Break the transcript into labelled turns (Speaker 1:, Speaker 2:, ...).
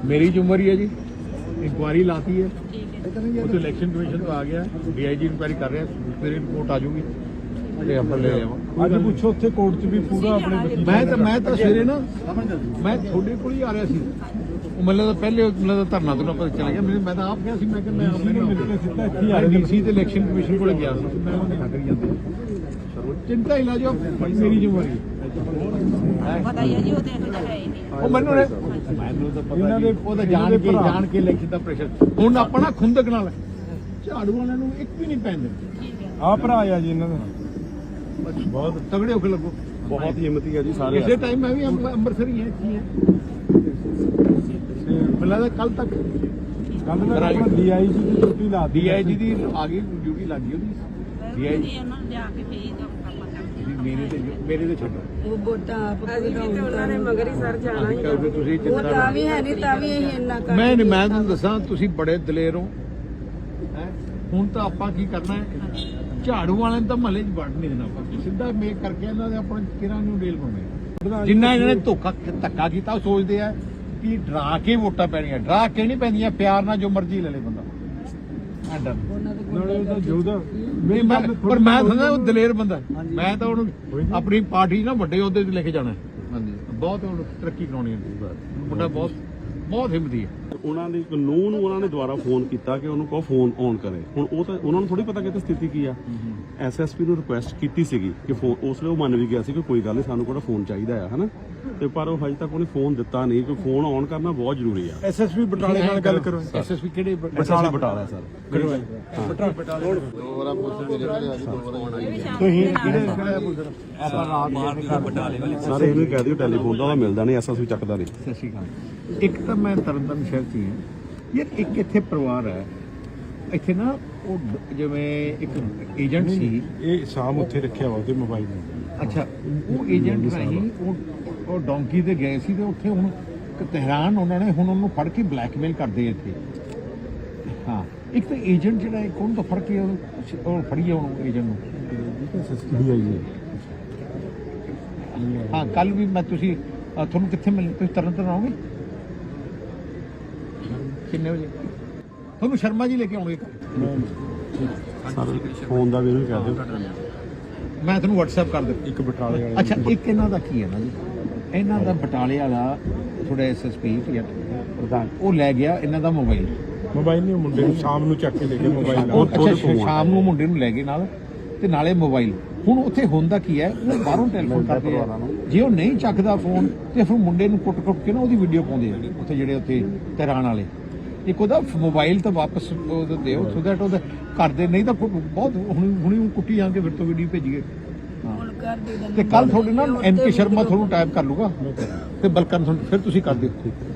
Speaker 1: मेरी ਜ਼ਿੰਮੇਵਾਰੀ है जी, इंक्वायरी लाती है तो इलेक्शन कमीशन तो आ गया, DIG इंक्वायरी कर रहे हैं, फिर रिपोर्ट आ जाऊगी ਤੇ ਆਪਾਂ ਲੈ ਆਵਾਂ।
Speaker 2: ਅੱਜ ਪੁੱਛੋ ਉੱਥੇ ਕੋਰਟ 'ਚ ਵੀ ਪੂਰਾ ਆਪਣੇ
Speaker 1: ਮੈਂ ਤਾਂ ਸਵੇਰੇ ਨਾ ਮੈਂ ਤੁਹਾਡੇ ਕੋਲ ਹੀ ਆ ਰਿਹਾ ਸੀ, ਉਹ ਮੈਨੂੰ ਤਾਂ ਪਹਿਲੇ ਮੈਨੂੰ ਤਾਂ ਧਰਨਾ ਤੋਂ ਪਤਾ ਚੱਲ ਗਿਆ, ਮੈਂ ਤਾਂ ਆਪ ਗਿਆ ਸੀ, ਮੈਂ ਕਿਹਾ ਮੈਂ ਆਪਣੇ ਨਾਲ ਮਿਲ ਕੇ ਸਿੱਧਾ ਇੱਥੇ ਆ ਰਿਹਾ DC ਤੇ ਇਲੈਕਸ਼ਨ ਕਮਿਸ਼ਨ ਕੋਲ ਗਿਆ ਸੀ, ਮੈਂ ਉਹਨੇ ਕਰੀ ਜਾਂਦੇ ਚਿੰਤਾ ਹੀ ਨਾ ਜੋ ਮੇਰੀ ਜ਼ਿੰਮੇਵਾਰੀ
Speaker 3: ਪਤਾ ਹੀ ਹੈ ਜੀ, ਉਹ ਤੇ ਇਹੋ ਜਿਹਾ ਹੈ ਹੀ ਨਹੀਂ।
Speaker 1: ਉਹ ਮੈਨੂੰ ਤਾਂ ਪਤਾ ਨਹੀਂ, ਉਹ ਤਾਂ ਜਾਣ ਕੇ ਇਲੈਕਸ਼ਨ ਦਾ ਪ੍ਰੈਸ਼ਰ। ਹੁਣ ਆਪਾਂ ਨਾ ਖੁੰਦਕ ਨਾਲ ਝਾੜੂ ਵਾਲਿਆਂ ਨੂੰ ਇੱਕ ਵੀ ਨਹੀਂ ਪੈਂਦੇ।
Speaker 2: ਆ ਭਰਾ ਆ ਜੀ ਇਹਨਾਂ ਦਾ,
Speaker 1: ਬਹੁਤ ਤਗੜੇ ਹੋ ਕੇ ਲੱਗੋ,
Speaker 2: ਬਹੁਤ ਹਿੰਮਤੀ ਹੈ ਜੀ ਸਾਰੇ।
Speaker 1: ਇਸੇ ਟਾਈਮ ਮੈਂ ਵੀ ਅੰਮ੍ਰਿਤਸਰ ਹੀ ਹੈ ਮੈਨੂੰ ਲੱਗਦਾ ਕੱਲ ਤੱਕ
Speaker 2: DIG ਦੀ ਡਿਊਟੀ ਲਾ
Speaker 1: DIG ਦੀ ਆ ਗਈ ਡਿਊਟੀ ਲੱਗ ਗਈ ਉਹਦੀ।
Speaker 3: DIG ਉਹਨਾਂ ਨੂੰ ਜਾ ਕੇ ਫੇਰ ਆਪਾਂ
Speaker 1: ਮੇਰੇ ਤੇ ਛੱਡੋ,
Speaker 4: ਉਹ ਵੋਟਾਂ ਆਪ ਉਹਨਾਂ ਨੇ ਮਗਰ ਹੀ ਸਰ ਜਾਣਾ ਹੀ
Speaker 1: ਤੁਸੀਂ
Speaker 4: ਉਹ ਤਾਂ ਵੀ ਹੈ ਨਹੀਂ, ਤਾਂ ਵੀ ਅਸੀਂ ਇੰਨਾ ਕਰ
Speaker 1: ਮੈਂ ਤੁਹਾਨੂੰ ਦੱਸਾਂ, ਤੁਸੀਂ ਬੜੇ ਦਲੇਰ ਹੋ। ਹੁਣ ਤਾਂ ਆਪਾਂ ਕੀ ਕਰਨਾ ਹੈ, ਝਾੜੂ ਵਾਲਿਆਂ ਨੂੰ ਤਾਂ ਮਹੱਲੇ 'ਚ ਵੜ ਨਹੀਂ ਦੇਣਾ, ਆਪਾਂ ਸਿੱਧਾ ਮੇਕ ਕਰਕੇ ਇਹਨਾਂ ਦੇ ਆਪਣੇ ਕਿਰਾਂ ਨੂੰ ਡੇਲ ਪਾਉਣੇ। ਜਿੰਨਾ ਇਹਨਾਂ ਨੇ ਧੱਕਾ ਕੀਤਾ, ਉਹ ਸੋਚਦੇ ਆ ਕਿ ਡਰਾ ਕੇ ਵੋਟਾਂ ਪੈਣੀਆਂ, ਡਰਾ ਕੇ ਨਹੀਂ ਪੈਂਦੀਆਂ, ਪਿਆਰ ਨਾਲ ਜੋ ਮਰਜ਼ੀ ਲੈ ਲੇ ਬੰਦਾ।
Speaker 2: ਨਾਲੇ ਉਹਦਾ ਜੋਦਾ
Speaker 1: ਪਰ ਮੈਂ ਸਮਝਦਾ ਉਹ ਦਲੇਰ ਬੰਦਾ, ਮੈਂ ਤਾਂ ਉਹਨੂੰ ਆਪਣੀ ਪਾਰਟੀ ਨਾ ਵੱਡੇ ਅਹੁਦੇ ਤੇ ਲੈ ਕੇ ਜਾਣਾ। ਬਹੁਤ ਹੁਣ ਤਰੱਕੀ ਕਰਾਉਣੀ ਹੈ, ਮੁੰਡਾ ਬਹੁਤ ਹਿੰਮਤੀ ਹੈ।
Speaker 5: ਉਹਨਾਂ ਦੀ ਕਾਨੂੰਨ ਨੂੰ ਉਹਨਾਂ ਨੇ ਦੁਬਾਰਾ ਫੋਨ ਕੀਤਾ ਕਿ ਉਹਨੂੰ ਕਹੋ ਫੋਨ ਔਨ ਕਰੇ। ਹੁਣ ਉਹ ਤਾਂ ਉਹਨਾਂ ਨੂੰ ਥੋੜੀ ਪਤਾ ਕਿ ਸਥਿਤੀ ਕੀ ਆ। SSP ਨੂੰ ਰਿਕੁਐਸਟ ਕੀਤੀ ਸੀਗੀ ਕਿ ਫੋਨ, ਉਸ ਵੇਲੇ ਉਹ ਮੰਨ ਵੀ ਗਿਆ ਸੀ ਕਿ ਕੋਈ ਗੱਲ ਨਹੀਂ, ਸਾਨੂੰ ਕਿਹੜਾ ਫੋਨ ਚਾਹੀਦਾ ਆ, ਹਨਾ, ਤੇ ਪਰ ਉਹ ਹਜੇ ਤੱਕ ਉਹਨੇ ਫੋਨ ਦਿੱਤਾ ਨਹੀਂ। ਕਿ ਫੋਨ ਔਨ ਕਰਨਾ ਬਹੁਤ ਜ਼ਰੂਰੀ ਆ।
Speaker 2: SSP ਬਟਾਲੇ ਨਾਲ ਗੱਲ ਕਰੋ।
Speaker 1: SSP ਕਿਹੜੇ
Speaker 5: ਬਟਾਲਾ ਸਰ। ਸਾਰੇ ਇਹਨੂੰ ਕਹਿ ਦਿਓ ਟੈਲੀਫੋਨ ਦਾ ਉਹਦਾ ਮਿਲਦਾ ਨਹੀਂ, SSP ਚੱਕਦਾ ਨਹੀਂ।
Speaker 1: ਸਤਿ ਸ਼੍ਰੀ ਅਕਾਲ। ਇੱਕ ਤਾਂ ਮੈਂ ਤਰਨਤਾਰਨ ਸ਼ਹਿਰ 'ਚ ਹੀ ਹਾਂ ਯਾਰ, ਇੱਕ ਇੱਥੇ ਪਰਿਵਾਰ ਹੈ, ਇੱਥੇ ਨਾ ਉਹ ਜਿਵੇਂ ਇੱਕ ਏਜੰਟ ਸੀ,
Speaker 2: ਇਹ ਸ਼ਾਮ ਉੱਥੇ ਰੱਖਿਆ ਵਾ ਉਹਦੇ ਮੋਬਾਈਲ ਨੂੰ।
Speaker 1: ਅੱਛਾ, ਉਹ ਏਜੰਟ ਰਾਹੀਂ ਉਹ ਡੋਂਕੀ ਤੇ ਗਏ ਸੀ, ਤੇ ਉੱਥੇ ਹੁਣ ਤਹਿਰਾਨ ਉਹਨਾਂ ਨੇ ਹੁਣ ਉਹਨੂੰ ਫੜ ਕੇ ਬਲੈਕਮੇਲ ਕਰਦੇ ਇੱਥੇ। ਹਾਂ, ਇੱਕ ਤਾਂ ਏਜੰਟ ਜਿਹੜਾ ਹੈ, ਕੌਣ ਤੋਂ ਫੜ ਕੇ ਉਹ ਫੜੀਏ ਉਹਨੂੰ ਏਜੰਟ ਨੂੰ। ਹਾਂ, ਕੱਲ ਵੀ ਮੈਂ ਤੁਸੀਂ ਤੁਹਾਨੂੰ ਕਿੱਥੇ ਮਿਲ, ਤੁਸੀਂ ਤਰਨਤਾਰਨ ਆਓਗੇ ਕਿੰਨੇ ਵਜੇ? ਤੁਹਾਨੂੰ ਸ਼ਰਮਾ ਜੀ ਲੈ ਕੇ ਆਉਣਗੇ।
Speaker 5: ਫੋਨ ਦਾ ਵੀ ਇਹਨੂੰ ਕਹਿ ਦਿਓ,
Speaker 1: ਮੈਂ ਤੁਹਾਨੂੰ WhatsApp ਕਰ ਦਿੰਦਾ।
Speaker 2: ਇੱਕ ਬਟਾਲੇ ਵਾਲੇ।
Speaker 1: ਅੱਛਾ, ਇੱਕ ਇਹਨਾਂ ਦਾ ਕੀ ਹੈ ਨਾ ਜੀ, ਇਹਨਾਂ ਦਾ ਬਟਾਲੇ ਵਾਲਾ ਥੋੜਾ SSP ਪ੍ਰਧਾਨ, ਉਹ ਲੈ ਗਿਆ ਇਹਨਾਂ ਦਾ ਮੋਬਾਈਲ
Speaker 2: ਨਹੀਂ, ਮੁੰਡੇ ਨੂੰ ਸ਼ਾਮ ਨੂੰ ਚੱਕ ਕੇ ਲੈ ਕੇ ਮੋਬਾਈਲ।
Speaker 1: ਅੱਛਾ, ਸ਼ਾਮ ਨੂੰ ਮੁੰਡੇ ਨੂੰ ਲੈ ਗਏ ਨਾਲ, ਤੇ ਨਾਲੇ ਮੋਬਾਈਲ। ਹੁਣ ਉੱਥੇ ਹੁੰਦਾ ਕੀ ਹੈ, ਉਹ ਬਾਹਰੋਂ ਟੈਲੀਫੋਨ ਕਰਦੇ ਆ, ਜੇ ਉਹ ਨਹੀਂ ਚੱਕਦਾ ਫੋਨ ਤੇ ਫਿਰ ਮੁੰਡੇ ਨੂੰ ਕੁੱਟ ਕੇ ਨਾ ਉਹਦੀ ਵੀਡੀਓ ਪਾਉਂਦੇ ਆ ਉੱਥੇ ਜਿਹੜੇ ਉੱਥੇ ਤਹਿਰਾਨ ਵਾਲੇ। ਇੱਕ ਉਹਦਾ ਮੋਬਾਈਲ ਤਾਂ ਵਾਪਸ ਦਿਓ, ਸੋ ਦੈਟ ਉਹਦਾ ਕਰਦੇ, ਨਹੀਂ ਤਾਂ ਬਹੁਤ ਹੁਣੀ ਕੁੱਟੀ ਜਾ ਕੇ ਫਿਰ ਤੋਂ ਵੀਡੀਓ ਭੇਜੀਏ। ਤੇ ਕੱਲ ਤੁਹਾਡੇ ਨਾਲ NK ਸ਼ਰਮਾ ਤੁਹਾਨੂੰ ਟਾਈਪ ਕਰ ਲੂਗਾ, ਤੇ ਬਲਕਨ ਫਿਰ ਤੁਸੀਂ ਕਰ ਦਿਓ।